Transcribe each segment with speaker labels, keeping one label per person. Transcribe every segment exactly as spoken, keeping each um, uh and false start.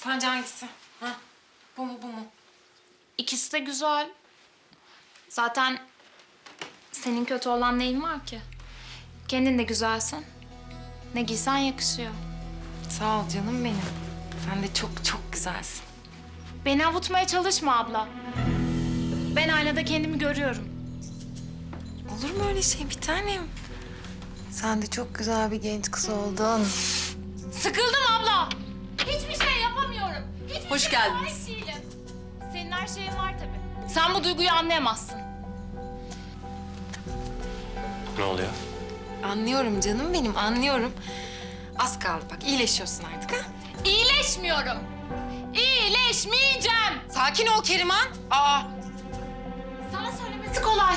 Speaker 1: Sence hangisi? Ha? Bu mu bu mu?
Speaker 2: İkisi de güzel. Zaten senin kötü olan neyin var ki? Kendin de güzelsin. Ne giysen yakışıyor.
Speaker 1: Sağ ol canım benim. Sen de çok çok güzelsin.
Speaker 2: Beni avutmaya çalışma abla. Ben aynada kendimi görüyorum.
Speaker 1: Olur mu öyle şey bir tanem? Sen de çok güzel bir genç kız oldun.
Speaker 2: Sıkıldım abla. Hiçbir şey yapamıyorum. Hiçbir
Speaker 1: Hoş
Speaker 2: şeye
Speaker 1: geldiniz.
Speaker 2: sahip değilim. Senin her şeyin var tabii. Sen bu duyguyu anlayamazsın.
Speaker 3: Ne oluyor?
Speaker 1: Anlıyorum canım benim, anlıyorum. Az kaldı bak, iyileşiyorsun artık ha.
Speaker 2: İyileşmiyorum. İyileşmeyeceğim.
Speaker 1: Sakin ol Keriman. Aa,
Speaker 2: Sana söylemesi kolay.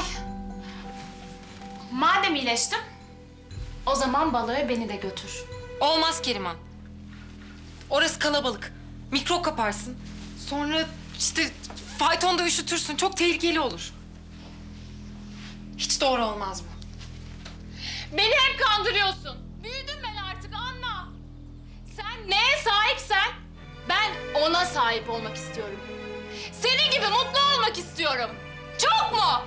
Speaker 2: Madem iyileştim, o zaman balığa beni de götür.
Speaker 1: olmaz Keriman. Orası kalabalık. Mikrop kaparsın. Sonra işte faytonda üşütürsün. Çok tehlikeli olur. Hiç doğru olmaz bu.
Speaker 2: Beni hep kandırıyorsun. Büyüdüm ben artık anla. Sen neye sahipsen ben ona sahip olmak istiyorum. Senin gibi mutlu olmak istiyorum. Çok mu?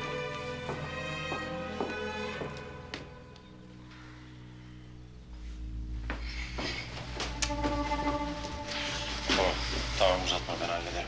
Speaker 3: Tamam. Tamam uzatma ben hallederim.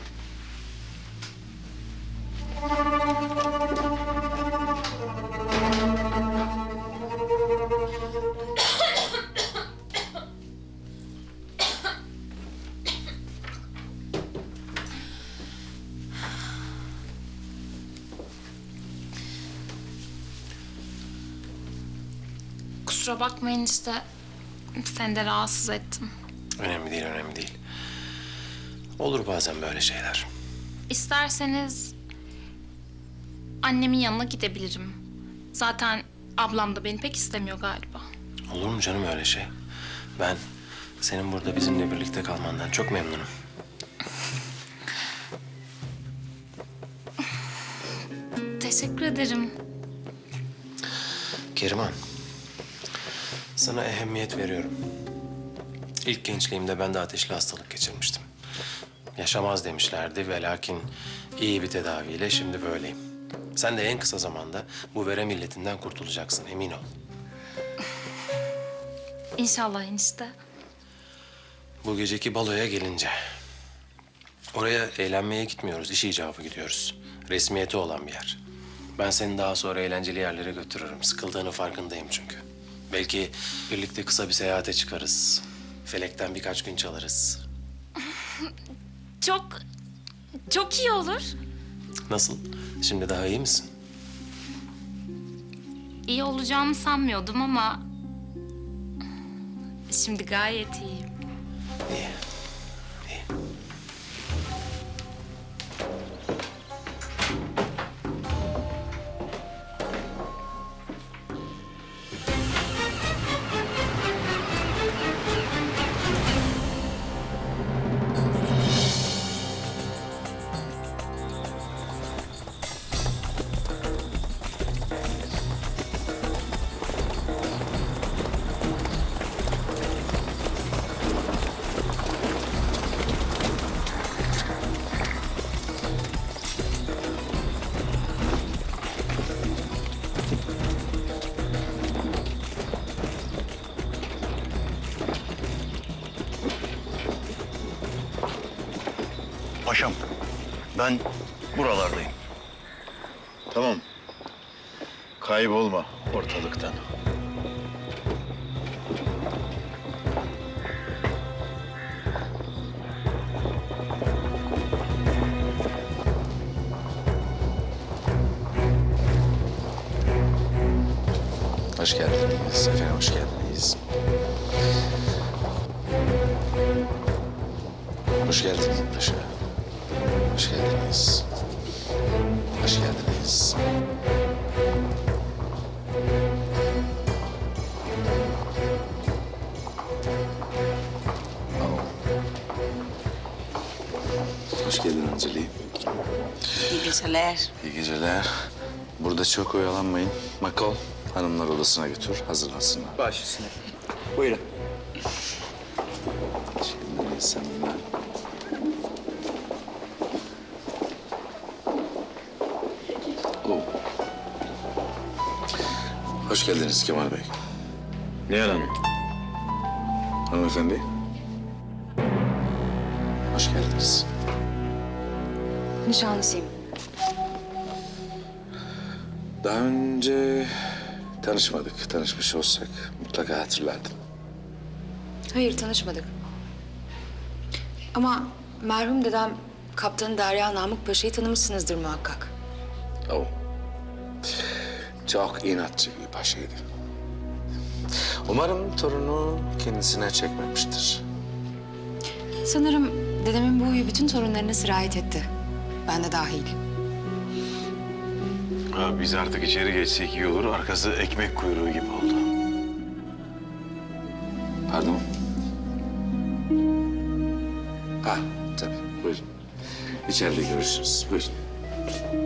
Speaker 2: Kusura bakmayın işte. Seni de rahatsız ettim.
Speaker 3: Önemli değil, önemli değil. Olur bazen böyle şeyler.
Speaker 2: İsterseniz annemin yanına gidebilirim. Zaten ablam da beni pek istemiyor galiba.
Speaker 3: Olur mu canım öyle şey? Ben senin burada bizimle birlikte kalmandan çok memnunum.
Speaker 2: Teşekkür ederim.
Speaker 3: Keriman, sana ehemmiyet veriyorum. İlk gençliğimde ben de ateşli hastalık geçirmiştim. Yaşamaz demişlerdi ve lakin iyi bir tedaviyle şimdi böyleyim. Sen de en kısa zamanda bu verem illetinden kurtulacaksın, emin ol.
Speaker 2: İnşallah enişte.
Speaker 3: Bu geceki baloya gelince... Oraya eğlenmeye gitmiyoruz, iş icabı gidiyoruz. Resmiyeti olan bir yer. Ben seni daha sonra eğlenceli yerlere götürürüm. Sıkıldığını farkındayım çünkü. Belki birlikte kısa bir seyahate çıkarız. Felekten birkaç gün çalarız.
Speaker 2: Çok, çok iyi olur.
Speaker 3: Nasıl? Şimdi daha iyi misin?
Speaker 2: İyi olacağını sanmıyordum ama... Şimdi gayet iyiyim.
Speaker 3: İyi. İyi.
Speaker 4: Paşam, ben buralardayım. Tamam. Kaybolma ortalıktan.
Speaker 3: Hoş geldiniz. Efendim hoş geldiniz. Hoş geldiniz paşa. Hoş geldiniz. Hoş geldiniz.
Speaker 5: Hoş geldin Anceli.
Speaker 6: İyi geceler.
Speaker 5: İyi geceler. Burada çok oyalanmayın. Makol, hanımlar odasına götür, hazırlansınlar.
Speaker 4: Baş üstüne. Buyurun.
Speaker 5: Şimdi sen Oh. Hoş geldiniz Kemal Bey.
Speaker 4: Nihal Hanım.
Speaker 5: Hanımefendi. Hoş geldiniz.
Speaker 7: Nişanlısıyım.
Speaker 5: Daha önce tanışmadık. Tanışmış olsak mutlaka hatırlardın.
Speaker 7: Hayır, tanışmadık. Ama merhum dedem Kaptan Derya Namık Paşa'yı tanımışsınızdır muhakkak.
Speaker 5: Oh. Çok inatçı bir paşaydı. Umarım torunu kendisine çekmemiştir.
Speaker 7: Sanırım dedemin bu huyu bütün torunlarına sirayet etti. Ben de dahil.
Speaker 4: Ha, biz artık içeri geçsek iyi olur. Arkası ekmek kuyruğu gibi oldu.
Speaker 5: Pardon? Ha, tabii. Buyurun. İçeride görüşürüz. Buyurun.